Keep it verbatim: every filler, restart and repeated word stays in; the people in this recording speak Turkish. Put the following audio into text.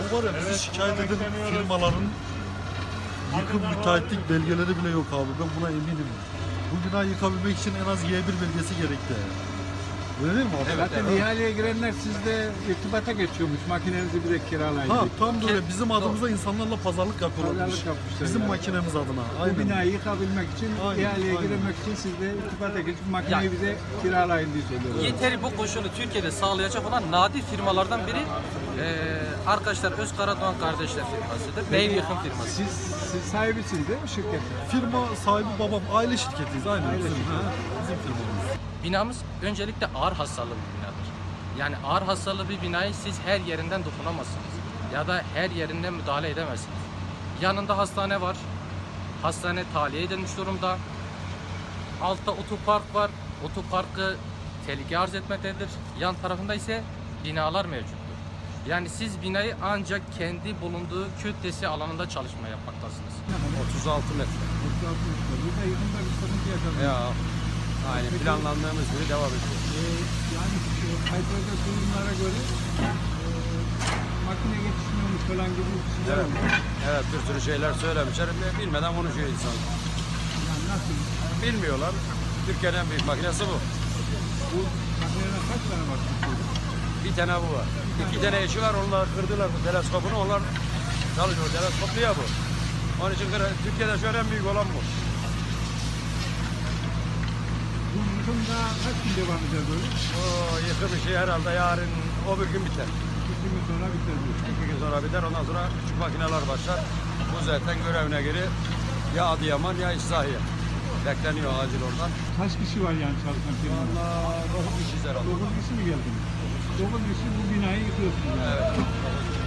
bu var ya bizi şikayet eden firmaların yıkım müteahhitlik belgeleri bile yok abi. Ben buna eminim. Bu binayı yıkabilmek için en az Y bir belgesi gerekti. Öyle değil mi abi? Evet, zaten evet. İhaleye girenler sizle irtibata geçiyormuş. Makinenizi bize kiralayın. Ha tam böyle bizim adımıza insanlarla pazarlık yapıyorlarmış. Pazarlık yapmışlar Bizim yani. makinemiz adına. Bu Aynen. binayı yıkabilmek için, Aynen, ihaleye aynen. girmek için sizle irtibata geçip makineyi Ya. bize kiralayın diye söylüyorlar. Yeteri bu koşulu Türkiye'de sağlayacak olan nadir firmalardan biri eee arkadaşlar Özkaradoğan kardeşler firmasıdır. Ev yıkım firması. Siz, siz sahibisiniz değil mi şirketin? Firma sahibi babam. Aile şirketiyiz. Aynen. Aile bizim, şirketi. ha, bizim firmamız. Binamız öncelikle ağır hasarlı bir binadır. Yani ağır hasarlı bir binayı siz her yerinden dokunamazsınız. Ya da her yerinden müdahale edemezsiniz. Yanında hastane var. Hastane tahliye edilmiş durumda. Altta otopark var. Otoparkı tehlike arz etmektedir. Yan tarafında ise binalar mevcuttur. Yani siz binayı ancak kendi bulunduğu kütlesi alanında çalışma yapmaktasınız. otuz altı metre. otuz altı metre. Burada yıkımda bir sıkıntı yaşadınız. Ya aynı planlandığımız gibi devam ediyor. Ee, yani şu kayıtlarda durumlara göre e, makine yetişmiyormuş falan gibi bir şeyler Evet. olmuş. Evet, bir sürü şeyler söylemişler. Bilmeden konuşuyor insan. Yani nasıl? Bilmiyorlar. Türkiye'nin en büyük makinesi bu. Bu makineden kaç tane var Türkiye'de? Bir tane bu var. İki tane eşi var. Onlar kırdılar bu teleskopunu. Onlar çalışıyor. Teleskoplu ya bu. Onun için Türkiye'de şu an en büyük olan bu. Bu yıkımda kaç gün devam eder böyle? O yıkım işi herhalde yarın o bir gün biter. İki gün sonra biter bu. İki gün sonra biter. Ondan sonra küçük makineler başlar. Bu zaten görevine göre ya Adıyaman ya İslahiye. Bekleniyor acil oradan. Kaç kişi var yani çalışan firmada? Valla dokuz kişiyiz herhalde. Dokuz kişi mi geldiniz? Dokuz kişi bu binayı yıkıyorsunuz yani. Evet.